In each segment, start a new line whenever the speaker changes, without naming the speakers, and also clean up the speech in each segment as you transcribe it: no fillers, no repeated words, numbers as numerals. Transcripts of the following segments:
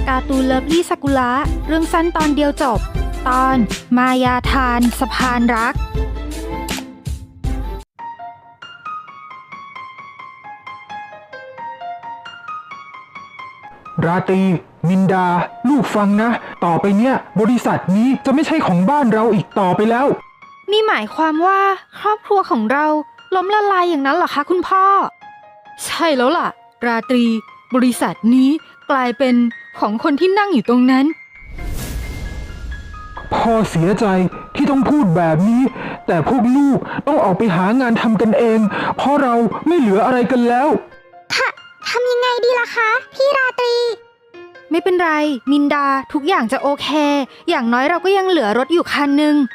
การ์ตูนเลิฟลี่ซากุระเรื่องสั้นตอนเดียวจบตอนมายาทานสะพานรัก
ราตรีมินดาลูกฟังนะต่อไปเนี้ยบริษัทนี้จะไม่ใช่ของบ้านเราอีกต่อไปแล้ว
นี่หมายความว่าครอบครัวของเราล้มละลายอย่างนั้นเหรอคะคุณพ่อใช่แล้วล่ะราตรีบริษัทนี้กลายเป็นของคนที่นั่งอยู่ตรงนั้น
พ่อเสียใจที่ต้องพูดแบบนี้แต่พวกลูกต้องออกไปหางานทำกันเองเพราะเราไม่เหลืออะไรกันแล้ว
ทำยังไงดีล่ะคะพี่ราตรี
ไม่เป็นไรมินดาทุกอย่างจะโอเคอย่างน้อยเราก็ยังเหลือรถอยู่คันหนึ่ง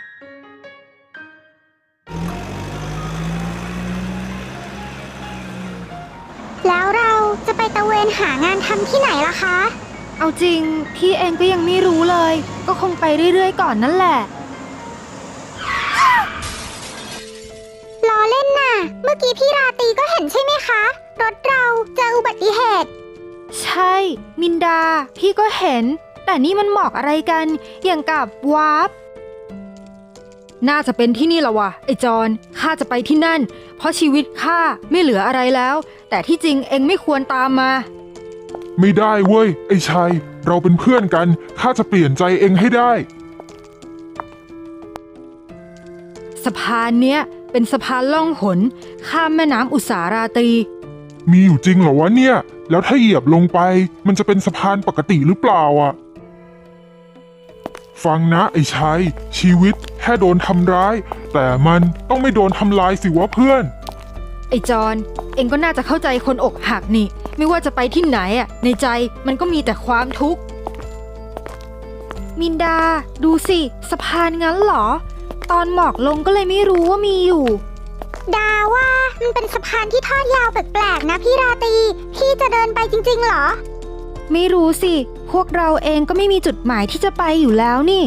แล้วเราจะไปตะเวนหางานทำที่ไหนล่ะคะ
เอาจริงพี่เองก็ยังไม่รู้เลยก็คงไปเรื่อยๆก่อนนั่นแหละ
ล้อเล่นน่ะเมื่อกี้พี่ราตรีก็เห็นใช่ไหมคะรถเราเจออุบัติเหตุ
ใช่มินดาพี่ก็เห็นแต่นี่มันหมอกอะไรกันอย่างกับวาร์ปน่าจะเป็นที่นี่ละวะไอ้จอนข้าจะไปที่นั่นเพราะชีวิตข้าไม่เหลืออะไรแล้วแต่ที่จริงเองไม่ควรตามมา
ไม่ได้เว้ยไอ้ชัยเราเป็นเพื่อนกันข้าจะเปลี่ยนใจเองให้ได้
สะพานเนี้ยเป็นสะพานล่องหนข้ามแม่น้ำอุสาราตรี
มีอยู่จริงเหรอวะเนี่ยแล้วถ้าเหยียบลงไปมันจะเป็นสะพานปกติหรือเปล่าอ่ะฟังนะไอ้ชัยชีวิตแค่โดนทำร้ายแต่มันต้องไม่โดนทำลายสิวะเพื่อน
ไอ้จอนเอ็งก็น่าจะเข้าใจคนอกหักนี่ไม่ว่าจะไปที่ไหนอ่ะในใจมันก็มีแต่ความทุกข์มินดาดูสิสะพานงั้นเหรอตอนหมอกลงก็เลยไม่รู้ว่ามีอยู่
ดาว่ามันเป็นสะพานที่ทอดยาวแปลกๆนะพี่ราตรีพี่จะเดินไปจริงๆเหรอ
ไม่รู้สิพวกเราเองก็ไม่มีจุดหมายที่จะไปอยู่แล้วนี่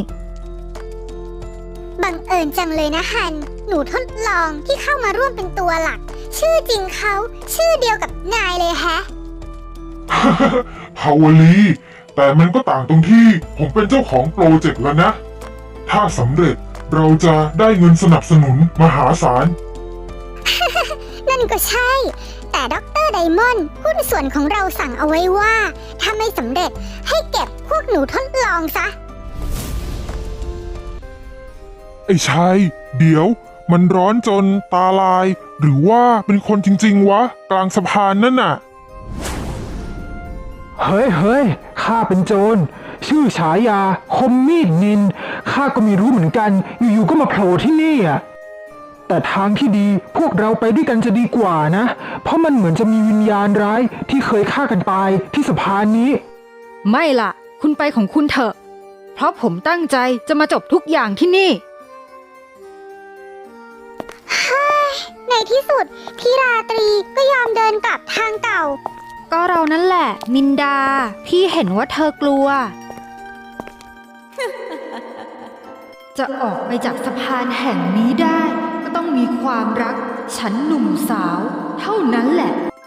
บังเอิญจังเลยนะฮันหนูทดลองที่เข้ามาร่วมเป็นตัวหลักชื่อจริงเขาชื่อเดียวกับนายเลยแฮะ
ฮาวลีแต่มันก็ต่างตรงที่ผมเป็นเจ้าของโปรเจกต์แล้วนะถ้าสำเร็จเราจะได้เงินสนับสนุนมหาศาล
นั่นก็ใช่แต่ด็อกเตอร์ไดมอนด์หุ้นส่วนของเราสั่งเอาไว้ว่าถ้าไม่สำเร็จให้เก็บพวกหนูทดลองซะ
ไอ้ชัยเดี๋ยวมันร้อนจนตาลายหรือว่าเป็นคนจริงๆวะกลางสะพานนั่นน่ะ
เฮ้ยข้าเป็นโจรชื่อฉายาคมมีดนินข้าก็ไม่รู้เหมือนกันอยู่ๆก็มาโผล่ที่นี่อ่ะแต่ทางที่ดีพวกเราไปด้วยกันจะดีกว่านะเพราะมันเหมือนจะมีวิญญาณร้ายที่เคยฆ่ากันตายที่สะพานนี้
ไม่ล่ะคุณไปของคุณเถอะเพราะผมตั้งใจจะมาจบทุกอย่างที่นี่
ในที่สุดพี่ราตรีก็ยอมเดินกลับทางเก่า
ก็เรานั่นแหละมินดาพี่เห็นว่าเธอกลัว จะออกไปจากสะพานแห่งนี้ได้ก็ต้องมีความรักฉันหนุ่มสาวเท่านั้นแหละ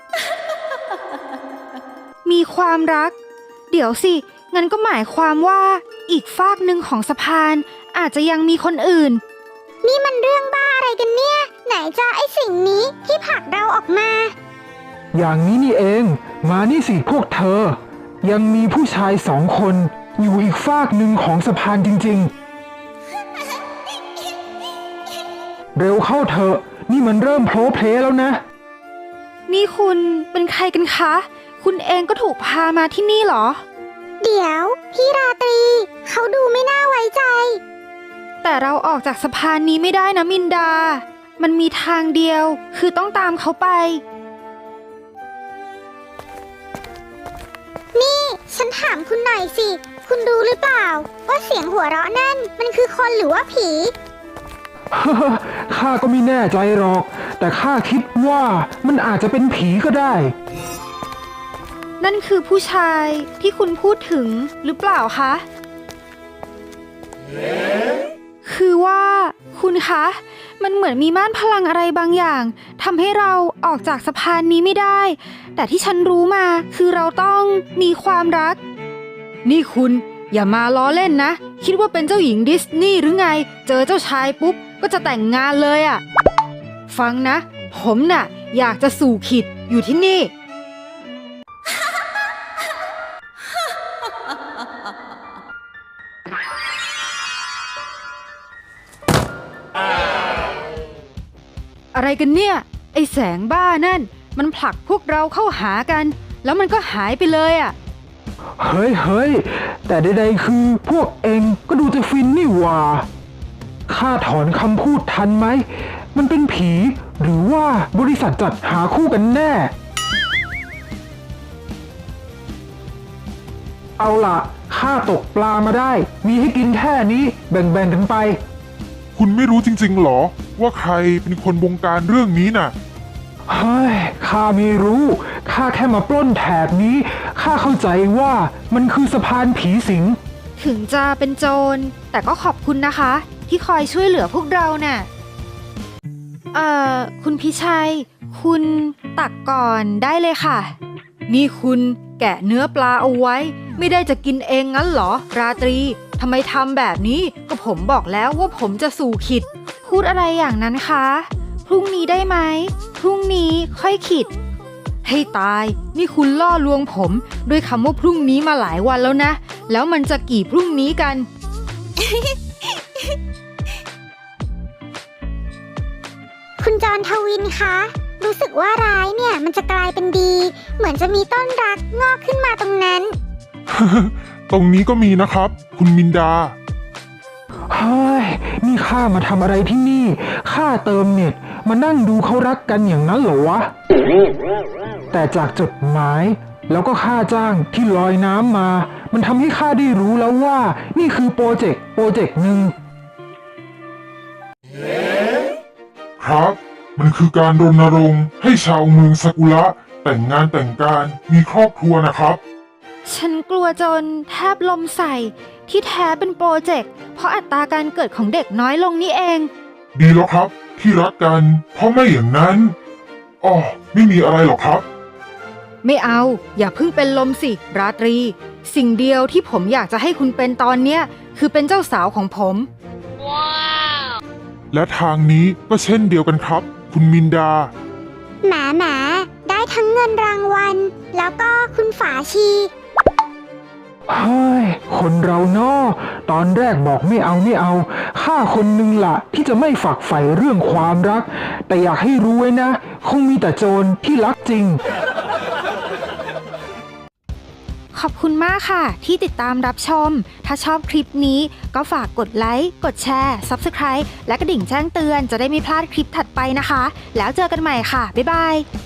มีความรักเดี๋ยวสิงั้นก็หมายความว่าอีกฟากหนึ่งของสะพานอาจจะยังมีคนอื่น
นี่มันเรื่องบ้าอะไรกันเนี่ยไหนจะไอสิ่งนี้ที่ผลักเราออกมา
อย่างนี้นี่เองมานี่สิพวกเธอยังมีผู้ชาย2 คนอยู่อีกฟากหนึ่งของสะพานจริงๆ เร็วเข้าเถอะนี่มันเริ่มโผล่เพลแล้วนะ
นี่คุณเป็นใครกันคะคุณเองก็ถูกพามาที่นี่เหรอ
เดี๋ยวพี่ราตรีเขาดูไม่น่าไว้ใจ
แต่เราออกจากสะพานนี้ไม่ได้นะมินดามันมีทางเดียวคือต้องตามเขาไป
นี่ฉันถามคุณหน่อยสิคุณรู้หรือเปล่าว่าเสียงหัวเราะนั่นมันคือคนหรือว่าผี
ข้าก็ไม่แน่ใจหรอกแต่ข้าคิดว่ามันอาจจะเป็นผีก็ได้
นั่นคือผู้ชายที่คุณพูดถึงหรือเปล่าคะคือว่าคุณคะมันเหมือนมีม่านพลังอะไรบางอย่างทำให้เราออกจากสะพานนี้ไม่ได้แต่ที่ฉันรู้มาคือเราต้องมีความรักนี่คุณอย่ามาล้อเล่นนะ คิดว่าเป็นเจ้าหญิงดิสนีย์หรือไง เจอเจ้าชายปุ๊บก็จะแต่งงานเลยอะฟังนะ ผมน่ะอยากจะสู่ขิดอยู่ที่นี่ อะไรกันเนี่ย ไอแสงบ้านั่น มันผลักพวกเราเข้าหากัน แล้วมันก็หายไปเลยอะ
เฮ้ย แต่ใดๆคือพวกเองก็ดูจะฟินนี่หว่าข้าถอนคำพูดทันไหม มันเป็นผีหรือว่าบริษัทจัดหาคู่กันแน่ เอาล่ะข้าตกปลามาได้ มีให้กินแค่นี้แบ่งๆกันไป
คุณไม่รู้จริงๆหรอ ว่าใครเป็นคนบงการเรื่องนี้น่ะ
เฮ้ย ข้าไม่รู้ ข้าแค่มาปล้นแถบนี้ ข้าเข้าใจว่ามันคือสะพานผีสิง
ถึงจะเป็นโจรแต่ก็ขอบคุณนะคะ ที่คอยช่วยเหลือพวกเราน่ะคุณพิชัย คุณตักก่อนได้เลยค่ะ นี่คุณแกะเนื้อปลาเอาไว้ ไม่ได้จะกินเองงั้นเหรอ ราตรีทำไมทำแบบนี้ก็ผมบอกแล้วว่าผมจะสู่ขิด พูดอะไรอย่างนั้นคะ พรุ่งนี้ได้ไหมพรุ่งนี้ค่อยขิด ให้ตาย นี่คุณล่อลวงผมด้วยคำว่าพรุ่งนี้มาหลายวันแล้วนะ แล้วมันจะกี่พรุ่งนี้กัน
คุณจรทวินคะ รู้สึกว่าร้ายเนี่ยมันจะกลายเป็นดี เหมือนจะมีต้นรักงอกขึ้นมาตรงนั้น
ตรงนี้ก็มีนะครับ คุณมินดา
เฮ้ย นี่ข้ามาทำอะไรที่นี่ ข้าเติมเน็ตมานั่งดูเขารักกันอย่างนั้นเหรอวะ แต่จากจดหมาย แล้วก็ค่าจ้างที่ลอยน้ำมา มันทำให้ข้าได้รู้แล้วว่า นี่คือโปรเจกต์หนึ่ง
ครับ มันคือการรณรงค์ให้ชาวเมืองซากุระแต่งงานแต่งการมีครอบครัวนะครับ
ฉันกลัวจนแทบลมใส่ที่แท้เป็นโปรเจกต์เพราะอัตราการเกิดของเด็กน้อยลงนี่เอง
ดีแล้วครับ ที่รักกัน เพราะไม่อย่างนั้นอ๋อไม่มีอะไรหรอกครับ
ไม่เอา อย่าเพิ่งเป็นลมสิ ราตรี สิ่งเดียวที่ผมอยากจะให้คุณเป็นตอนเนี้ยคือเป็นเจ้าสาวของผม
และทางนี้ก็เช่นเดียวกันครับ คุณมินดา
หมาได้ทั้งเงินรางวัล แล้วก็คุณฝาชี
เฮ้ย คนเราเนาะตอนแรกบอกไม่เอาข้าคนนึงล่ะที่จะไม่ฝักใฝ่เรื่องความรัก แต่อยากให้รู้ไว้นะ คงมีแต่โจรที่รักจริง
ขอบคุณมากค่ะ ที่ติดตามรับชม ถ้าชอบคลิปนี้ก็ฝากกดไลค์ กดแชร์ Subscribe และกระดิ่งแจ้งเตือนจะได้ไม่พลาดคลิปถัดไปนะคะ แล้วเจอกันใหม่ค่ะ บ๊ายบาย